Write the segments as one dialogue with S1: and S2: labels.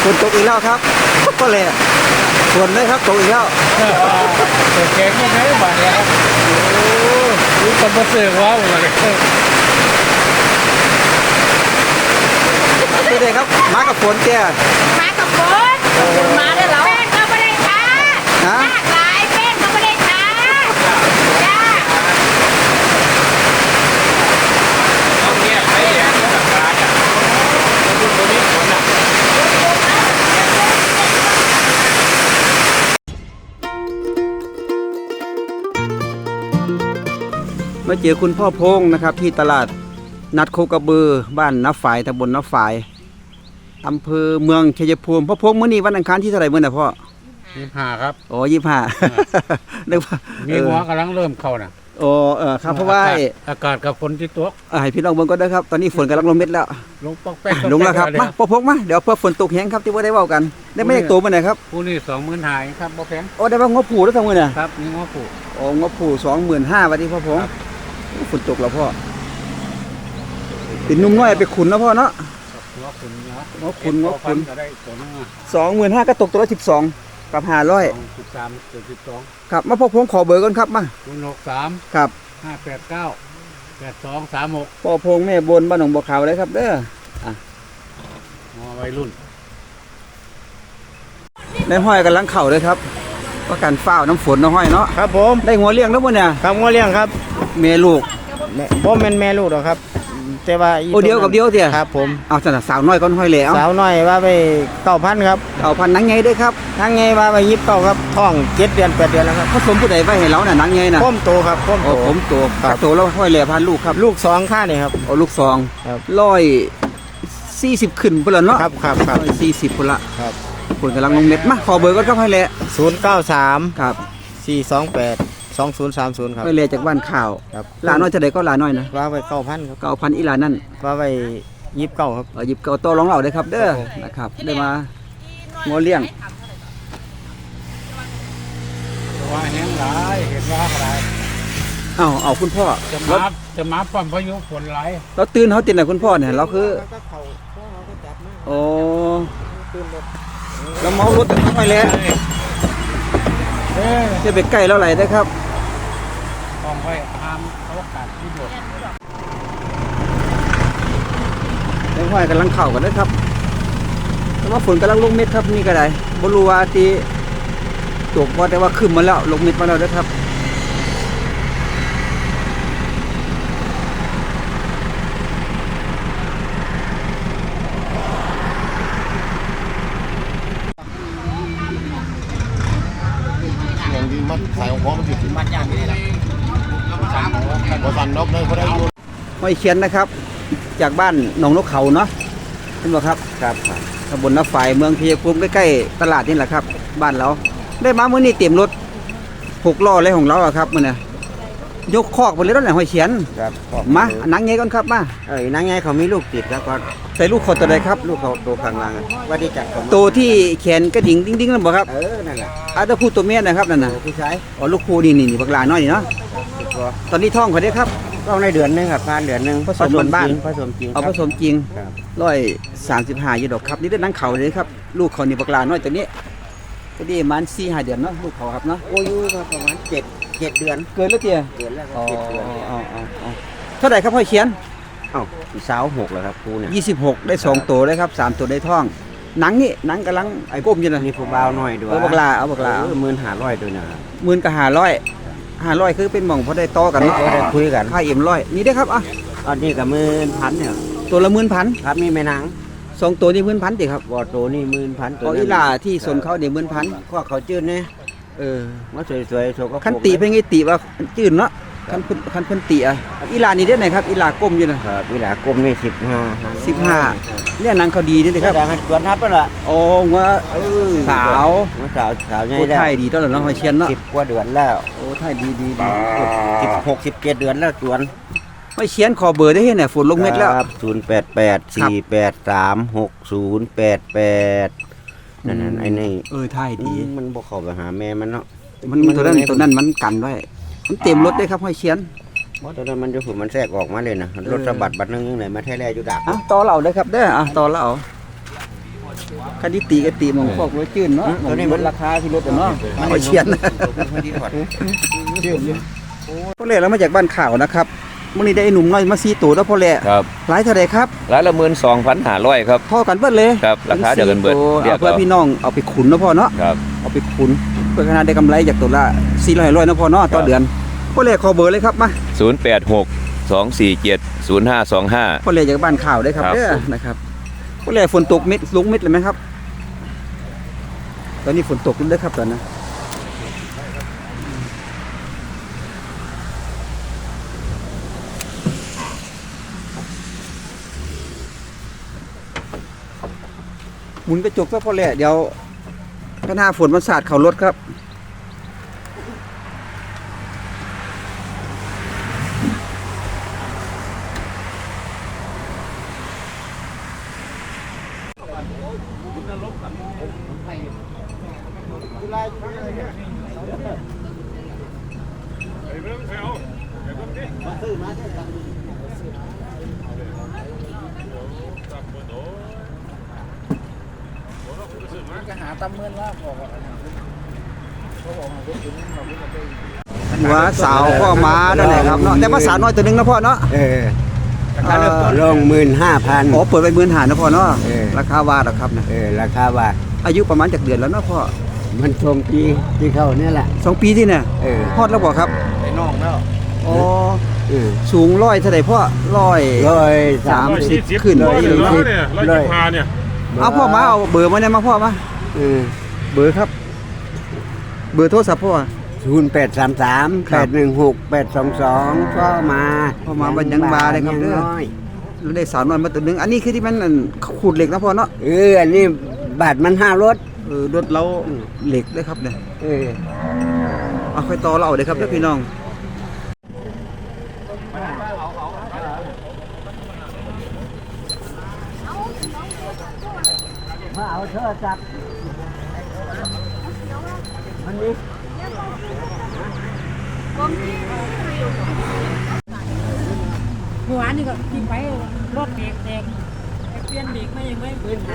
S1: ฝนตกอีกแล้วครับก็เลยฝนเลยครับตกอีกแล้ว
S2: ตัวแกงก็ไม่บาดเนี่ยโอ้ยคนมาเสือกว้าวเลย
S1: ดูเลยครับมากับฝนแก
S3: มากับฝนมาได้แล้วแป้งก็ไม่ได้ช้าหลากหลายแป้งก็ไม่ได้ช้าจ้า
S2: ต้องเงียบไปอย่างนี้แบบร้านอ่ะดูตัวนี้ฝนอ่ะ
S1: มาเจอคุณพ่อพงนะครับที่ตลาดนัดโคกระบือบ้านน้าฝายตำบลน้าฝายอำเภอเมืองชัยภูมิพ่อพงมื้อนี้วันอังคารที่เท่าไหร่มื้อน่ะพ่อ
S2: 25ครับ
S1: โอ้25นึกว่า
S2: มีหัวกำลังเริ่มเข้าน่ะ
S1: โอ้ครับเพราะว่า
S2: อากาศกับฝนที่ตก
S1: ให้พี่น้องเบิ่งก่อนนะครับตอนนี้ฝนกำลังลงเม็ดแล้ว
S2: ลงปอกแป๊ก
S1: ลงแล้วครับมาพ่อพงมาเดี๋ยวเพื่อฝนตกแห้งครับที่ว่าได้เว้ากันได้ไม่ได้โตมื้อไหนครับ
S2: ผู้นี้20,000หายครับบ่แพง
S1: โอ้ได้ว่างบผูแล้วทั้งมื้อน่ะ
S2: ครับนี่งบผู
S1: โอ้งบผู25,000ว่าที่พ่อพงฝนตกแล้วพ่อเป็นนุ่มน้อยไปขุนนะพ่อเนาะ
S2: หัวขุนเนาะ
S1: หัวขุน
S2: ก็ได้ตัวนึง
S1: 25,000ก็ตกตัวละ12กับ500
S2: 13
S1: ครับมาพ่อพงขอเบอร์ก่อนครับมา
S2: 063
S1: ครับ
S2: 589 8236
S1: พ่อพงแม่บนบ้านหนองบัวขาวเลยครับเด้อ
S2: วัยรุ่น
S1: ในห้อยกำลังเข่าเลยครับว่าการฝ้าน้ำฝนน้ำห้อยเนาะ
S4: ครับผม
S1: ได้หัวเลี้ยงแล้วมั้งเนี่ย
S4: ครับงัวเลี้ยงครับ
S1: แม่ลูก
S4: บ่แม่นแม่ลูกหรอกครับแต่ว่า
S1: โอเดียวกับเดียวเถี่ย
S4: ครับผม
S1: เอาสาวน้อยก้อนห้อยแล้ว
S4: สาวน้อยว่าไป9,000ครับ
S1: 9,000นังไงด้วยครับ
S4: นังไงว่าไป29ครับท้อง7 เดือน 8 เดือนแล้วครับ
S1: ผสมผู้ใดไว้ให้เราน่ะนังไงน่ะ
S4: พ่มโตครับพ่มโต
S1: ผมโตครับโตแล้วห้อยแล้วพันลูกครับ
S4: ลูก2ค่านี่ครับ
S1: โอ้ลูก2
S4: ครับ
S1: 140ขึ้นพุ่นละเนาะ
S4: ครับ
S1: 40พุ่นละ
S4: ครับ
S1: คนกำลังลงเม็ดมาขอเบอร์ก่อนครับห้อยแล้ว
S4: 093
S1: ครับ
S4: 428 2030ครับ
S1: ห้อยแล้วจากบ้านข่าวหลาน้อยจะได้ก็หลาน้อยนะ
S4: ว่าไป9,000ครับ
S1: 9,000อีหลานั่น
S4: ว่าไป29ครับ
S1: 29โตร้องเราได้ครับเด้อนะครับได้มางัวเลี้ยง
S2: ว่าแห้งหลายเห็นว่าอะไร
S1: เอาคุณพ่อ
S2: จะมาปั๊มพายุฝนไหล
S1: เราตื่นเขาตื่นไหนคุณพ่อเนี่ยเราคือโอ้เราเมารถตั้งไปแล้วจะไปใกล้เราไหลได้ครับ
S2: ต้องไปห้ามเขากัดที่บด
S1: แตงห้อยกำลังเข่ากันนะครับแต่ว่าฝนกำลังลงเม็ดครับนี่ก็ได้บรูวาตีตกว่าแต่ว่าขึ้นมาแล้วลงเม็ดมาแล้วนะครับ
S5: มัดสายของพ่อมันถึงมัดยากนี่แหละพอสั่นนกเลยเขาได้ยุ่ง
S1: ห้อยเขียนนะครับจากบ้านหนองนกเขาเนาะเห็นไหมครับครับตำบลน้าฝายเมืองชัยภูมิใกล้ๆตลาดนี่แหละครับบ้านเราได้มาเมื่อนี้เต็มรถ6 ล้อเลยของเราอะครับมันเนี่ยยกคอกไปเลยรถไหนห้อยเขียนมานังไงก่อนครับมา
S4: นังไงเขามีลูกติดแล้วก็
S1: ใส่ลูกเขาตัวใดครับ
S4: ลูกเขาตัวข้างล่างว่าได้จัด
S1: ตัวที่แขนกระดิ่งดิ้งๆนั่นบ่ครับ
S4: นั่นแหละ
S1: ตัวผู้ตัวเมียนะครับนั่นน่ะ
S4: ผู้ชาย
S1: ลูกคู่นี่บักหลาน้อยนี่เนาะตอนนี้ท้องเขาได้ครับ
S4: ต้องในเดือนนึงครับผ่านเดือนนึง
S1: ผสมบ้าน
S4: ผสมจริง
S1: ผสมจริง135อยู่ดอกครับนี่ได้นังเขาเลยครับลูกเขานี่บักหลาน้อยตัวนี้ก็ดีมัน4-5 เดือนเนาะลูกเขาครับเนาะ
S4: โอ้ยประมาณ7 เดือน
S1: เกินแล้วเตี้ย
S4: เกินแล้วครับ7 เดือน
S1: เท่าไหร่ครับพ่อเขียน
S4: สาว6แล้วครับครูเนี่ย
S1: 26ได้2ตัวได้ครับ3ตัวได้ท้องหนังนี่หนังกำลังไอ้ก้มอยู่นะ
S4: นี่ผู้บ่าวน้อยด้วย
S1: บักหลา
S4: 15,000ด้วยนะ
S1: 10,000กับ500คือเป็นหม่องพอได้ต่อกันเนาะ
S4: ได้คุยกัน
S1: ค่า100นี่ได้ครับ
S4: อันนี้กับ10,000เนี่ย
S1: ตัวละ10,000
S4: ครับมีแม่นาง
S1: 2ตัวนี่10,000ติครับ
S4: บ่ตัวนี่10,000ตัว
S1: อีหล่าที่สนเขาเนี่ย10,000
S4: ข้อเขาจืดเนี่ยมาสวยๆโชว์ก็
S1: คันติเพิ่นไงติว่าจืดเนาะคันเพิ่นติอีหล่านี่ได้ไหนครับอีหล่าก้มอยู่
S4: นะครับอีหล่าก้มนี่
S1: 15เนี่ยหนังเขาดีนี่ครับ
S4: สวนทับแล้วล่ะ
S1: โอ้ว่าสาว
S4: ใหญ่
S1: แล้วไทยดีตอนนั้นห้อยเชียนเนาะ
S4: 10 กว่าเดือนแล้ว
S1: โอ้ไทยดี
S4: 16 17 เดือนแล้วสวน
S1: ห้อยเชียนขอเบอร์ได้เฮ็ดน่ะฝนลงเม็ดแล้ว
S4: 088 483 6088นั่นไอ้นี่
S1: ไทยดี
S4: มันบ่เข้าไปหาแม่มันเนาะ
S1: มันตัวนั้นมันกันไว้มันเต็มรถได้ครับห้อยเชียน
S4: ตัวนั้นมันจะมันแทรกออกมาเลยนะรถสะบัดบัดนึงยังไหนมาแท้แร่อยู่ดัก
S1: ต่อเหล่าได้ครับเด้อต่อเหล่าคันที่ตีก็ตีหมองพวกรถจื้นเนาะหมองลดราคาที่รถอะเนาะเอาเชียนพ่อแหล่เรามาจากบ้านข่าวนะครับมื้อนี้ได้ไอ้หนุ่มน้อยมา4ตัวแล้วพ่อแหล่
S6: ครับ
S1: หลายเท่าใดครับ
S6: ร้านละ12,500ครับ
S1: เท่ากันเบิดเลย
S6: ครับราคาเดียวกันเบิด
S1: เดี๋ยวเพื่อพี่น้องเอาไปขุนเนาะพ่อเนาะ
S6: ครับ
S1: เอาไปขุนเพื่อขนาดได้กำไรจากตัวละ400เนาะพ่อเนาะต่อเดือนพ่อแหล่ขอเบอร์เลยครับมา
S6: 086 247 0525
S1: พ่อแหล่จากบ้านข่าวได้ครับ
S6: ครับ
S1: เด้อนะครับพ่อแหล่ฝนตกเม็ดลงเม็ดเลยไหมครับตอนนี้ฝนตกด้วยครับตอนนั้นหมุนกระจกซะพ่อแหล่เดี๋ยวหน้าฝนมันสาดเข่ารถครับหัวสาวพ่อม้านั่นแหละครับเนาะแต่ว่าสาวน้อยตัวหนึงนะพ่อเนาะ
S4: ลง15,000
S1: อ๋อเปิดไป15,000นะพ่อเนาะ
S4: เออ
S1: ราคาว่าหรอครับนะ
S4: ราคาว่า
S1: อายุประมาณจากเดือนแล้วเนาะพ่อ
S4: มันชมปีที่เข้าเนี่ยแหละ
S1: 2 ปีที่เนี่ย ฮอดแล้วบ่ครับ
S5: ไอ้น้องแล้ว
S1: อ๋อสูง100เท่าใดพ่อ130ขึ้น
S5: เนี่ย
S1: เอาพ่อมาเอาเบอร์มาเนี่ยมาพ่อมาเบอร์ครับ เบอร์โทรศัพท์พ่อ
S4: 0833 816 822ก็มา
S1: พ่อมาบันยังบาเลยครับเด้อแล้วได้สาวน้อยมาตัวหนึงอันนี้คือที่มันนั่นขูดเหล็กนะพ่อเนาะ
S4: อันนี้บาทมัน5รถ
S1: รถเราเหล็กเลยครับเนี่ยเอาค่อยต่อเราเอาเลยครับเด้อพี่น้องมาเอาโทรศัพท์มันนี้
S3: เมื่อวานนี่ก็ที่ไปรถเบรกแตกเปลี่ยนเบรกไม่ยังไม่เปลี่ยน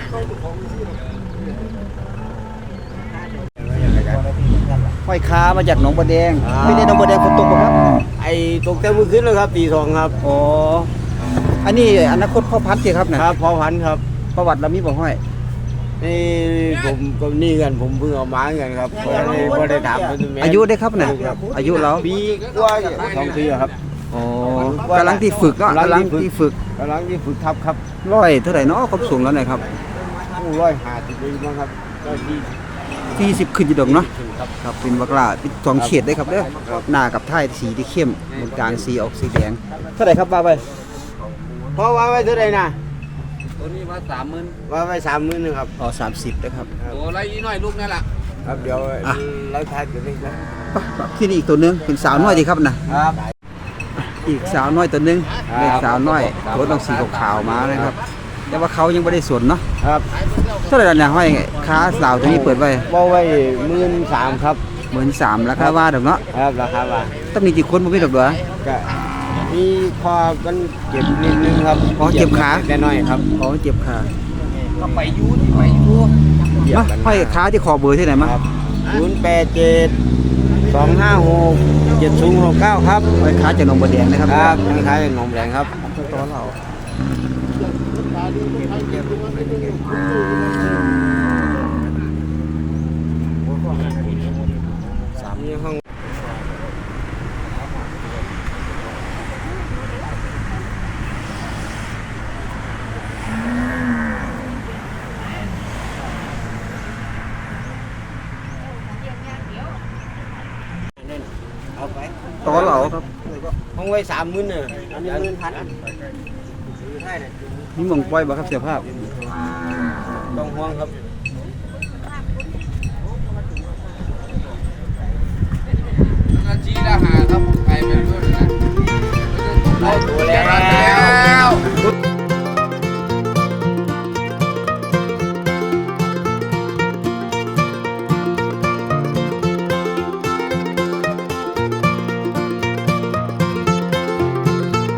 S1: ห้อยค้ามาจากหนองบัวแดงไม่ได้หนองบัวแดงฝนตกบ่ครับ
S4: ไอ้ตกแต่มื้อคืนแล้วครับตี2ครับ
S1: อ๋ออันนี้อนาคตพ่อพันธุ์สิครับนะครับ
S4: พอพันครับ
S1: ประวัติเรามีบ่ห้อย
S4: นี่ผมก็นี่กันผมเพิ่งเอามากันครับบ่ได้ถามเพิ่นแม่
S1: อายุได้ครับเนี่ยอายุเรา
S4: ปีกว่า2ปีครับ
S1: อ๋อกำลังที่ฝึกเนาะกำลังที่ฝึก
S4: กำลังที่ฝึกทับครับ
S1: ร้อยเท่าไหร่เนาะความสูงแล้วเนี่ยครับ
S4: 150ปีมั้งครับก็ที่
S1: 40ขึ้นอยู่ดอกเนาะครับเป็นบักลาเป็น2เฉดได้ครับเด้อหน้ากับท้ายสีที่เข้มตรงกลางสีออกสีแดงเท่าไหร่ครับว่าไป
S4: เพราะว่าไว้เท่าไหร่นะ
S6: ตัวนี้มา30,000
S4: ว่าไว้30,000นึงครับ
S1: อ๋อ30นะครับ
S6: ตัวไรอีน้อยลูกนั่นล่ะ
S4: ครับเดี๋ยวเราทายกันนี่ครับ
S1: ที่นี่อีกตัวหนึงเป็นสาวน้อยดีครับนะครับ อีกสาวน้อยตัวหนึงเล็กสาวน้อยตัวต้องสีขาวๆมานะครับแต่ว่าเขายังไม่ได้สวนเนาะ
S4: ครับ
S1: เท่าไหร่เนี่ยห้อยค้าสาวตัวนี้เปิดไว้
S4: ว่าไว้13,000ครับ
S1: 13,000ราคาว่าดอกเนาะ
S4: ครับราคาว่า
S1: ต้องมีกี่คนบ่มีดอกเด้อ
S4: ก็มีคอมันเจ็บนิดนึงครับ
S1: อ๋อเจ็บขา
S4: แต่น้อยครับ
S1: อ๋อเจ็บขา
S6: ก็ไปยูที่ไปยู
S1: มาห้อยค้าที่คอเบอร์ที่ไหนมา
S4: 087 256 7069ครับ
S1: ห้อยค้าจากหนองบัวแดงนะครับ
S4: ครับทางท้ายหนองแดงครับ
S1: ตัวเรา
S4: นี่ห้อง
S1: ตัวเราครับ
S4: ห้องไว้30,000เนี่ยอันนี้1,000ใช่เนี่ย
S1: นี่หมองปล่อยบ่ครับเสียภาพ
S4: ต้องห่วงครับ
S6: นาทีละหาครับใครเป็นด้วยนะ
S4: ได้ตัวแล้ว